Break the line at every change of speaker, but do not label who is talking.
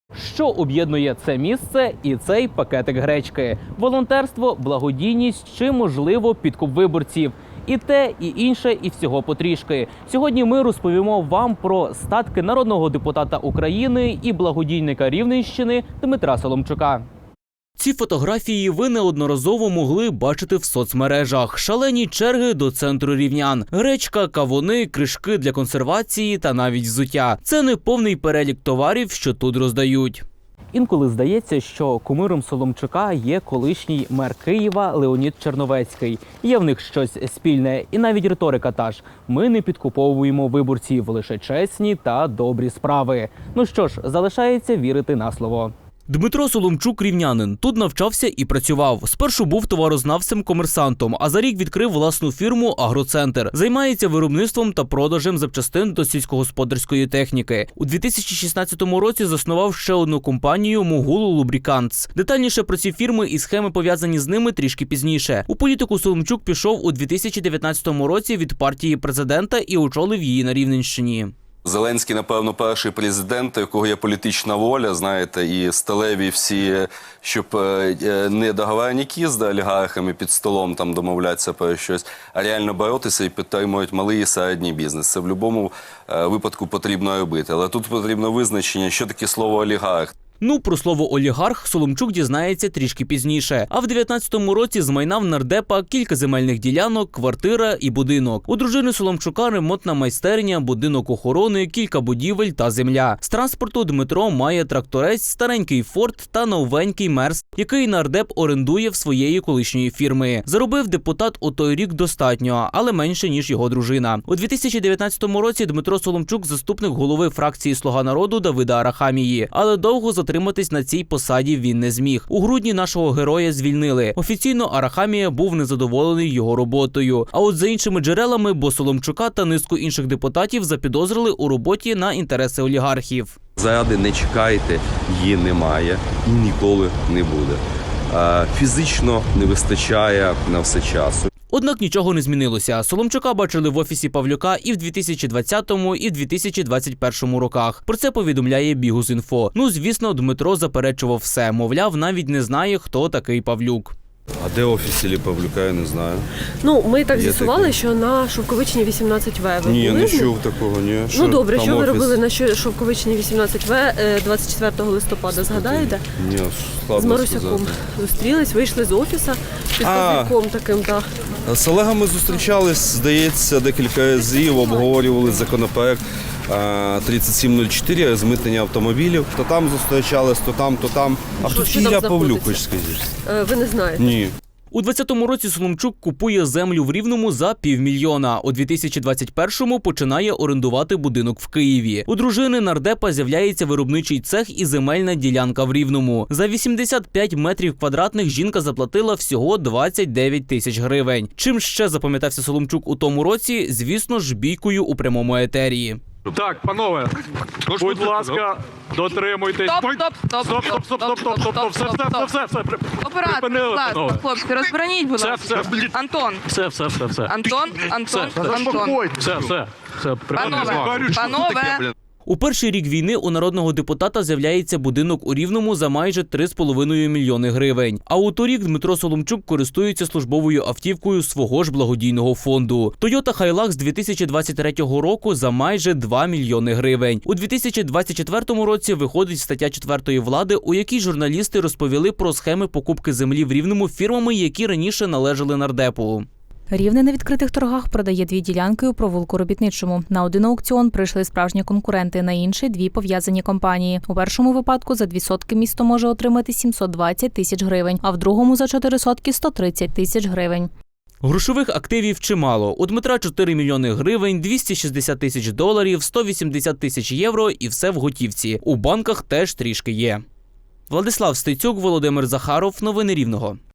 Що об'єднує це місце і цей пакетик гречки? Волонтерство, благодійність чи, можливо, підкуп виборців? І те, і інше, і всього потрішки. Сьогодні ми розповімо вам про статки народного депутата України і благодійника Рівненщини Дмитра Соломчука. Ці фотографії ви неодноразово могли бачити в соцмережах. Шалені черги до центру рівнян. Гречка, кавуни, кришки для консервації та навіть взуття. Це не повний перелік товарів, що тут роздають. Інколи здається, що кумиром Соломчука є колишній мер Києва Леонід Черновецький. Є в них щось спільне, і навіть риторика та ж. Ми не підкуповуємо виборців, лише чесні та добрі справи. Ну що ж, залишається вірити на слово. Дмитро Соломчук – рівнянин. Тут навчався і працював. Спершу був товарознавцем-комерсантом, а за рік відкрив власну фірму «Агроцентр». Займається виробництвом та продажем запчастин до сільськогосподарської техніки. У 2016 році заснував ще одну компанію «Могул Лубрікантс». Детальніше про ці фірми і схеми, пов'язані з ними, трішки пізніше. У політику Соломчук пішов у 2019 році від партії президента і очолив її на Рівненщині.
Зеленський, напевно, перший президент, у якого є політична воля, знаєте, і сталеві всі, щоб не договорняки з олігархами під столом там домовлятися про щось, а реально боротися і підтримують малий і середній бізнес. Це в будь-якому випадку потрібно робити. Але тут потрібно визначення, що таке слово олігарх.
Ну, про слово «олігарх» Соломчук дізнається трішки пізніше. А в 19-му році з майна в нардепа кілька земельних ділянок, квартира і будинок. У дружини Соломчука ремонтна майстерня, будинок охорони, кілька будівель та земля. З транспорту Дмитро має тракторець, старенький Форд та новенький Мерс, який нардеп орендує в своєї колишньої фірми. Заробив депутат у той рік достатньо, але менше, ніж його дружина. У 2019 році Дмитро Соломчук – заступник голови фракції «Слуга народу» Давида Арахамії. Але довго затриматись на цій посаді він не зміг. У грудні нашого героя звільнили. Офіційно Арахамія був незадоволений його роботою. А от за іншими джерелами, бо Соломчука та низку інших депутатів запідозрили у роботі на інтереси олігархів.
Заради не чекайте, її немає і ніколи не буде. Фізично не вистачає на все часу.
Однак нічого не змінилося. Соломчука бачили в офісі Павлюка і в 2020-му, і в 2021 роках. Про це повідомляє Бігус.Інфо. Ну, звісно, Дмитро заперечував все. Мовляв, навіть не знає, хто такий Павлюк.
А де офіс Іллі Павлюка, я не знаю.
Ну, ми так з'ясували, що на Шовковичній 18В ви
Ні,
були?
не чув такого, ні.
Ну, добре, що ви робили на Шовковичній 18В 24 листопада, згадаєте?
Ні, складно
з Марусяком
сказати.
Зустрілись, вийшли з офісу під Павлюком таким, так.
З Олегом ми зустрічались, здається, декілька разів, обговорювали законопроект 3704, розмитнення автомобілів. То там зустрічались, то там. А хто
що
Ілля
там
Павлюк,
знаходиться?
хоч скажіть?
Ви не знаєте?
Ні.
У 2020 році Соломчук купує землю в Рівному за $500 000. У 2021-му починає орендувати будинок в Києві. У дружини нардепа з'являється виробничий цех і земельна ділянка в Рівному. За 85 метрів квадратних жінка заплатила всього 29 тисяч гривень. Чим ще запам'ятався Соломчук у тому році? Звісно ж, бійкою у прямому етері.
Так, панове, будь ласка, дотримуйтесь. Стоп, все.
Оператор, будь ласка, хлопці, розброніть, будь ласка. Антон.
Все.
Антон.
Все.
Панове.
У перший рік війни у народного депутата з'являється будинок у Рівному за майже 3,5 мільйони гривень. А у торік Дмитро Соломчук користується службовою автівкою свого ж благодійного фонду. Toyota Hilux з 2023 року за майже 2 мільйони гривень. У 2024 році виходить стаття 4 влади, у якій журналісти розповіли про схеми покупки землі в Рівному фірмами, які раніше належали нардепу.
Рівне на відкритих торгах продає 2 ділянки у провулку Робітничому. На один аукціон прийшли справжні конкуренти, на інший – 2 пов'язані компанії. У першому випадку за 2 сотки місто може отримати 720 тисяч гривень, а в другому за 4 сотки – 130 тисяч гривень.
Грошових активів чимало. У Дмитра 4 мільйони гривень, 260 тисяч доларів, 180 тисяч євро і все в готівці. У банках теж трішки є. Владислав Стецюк, Володимир Захаров. Новини Рівного.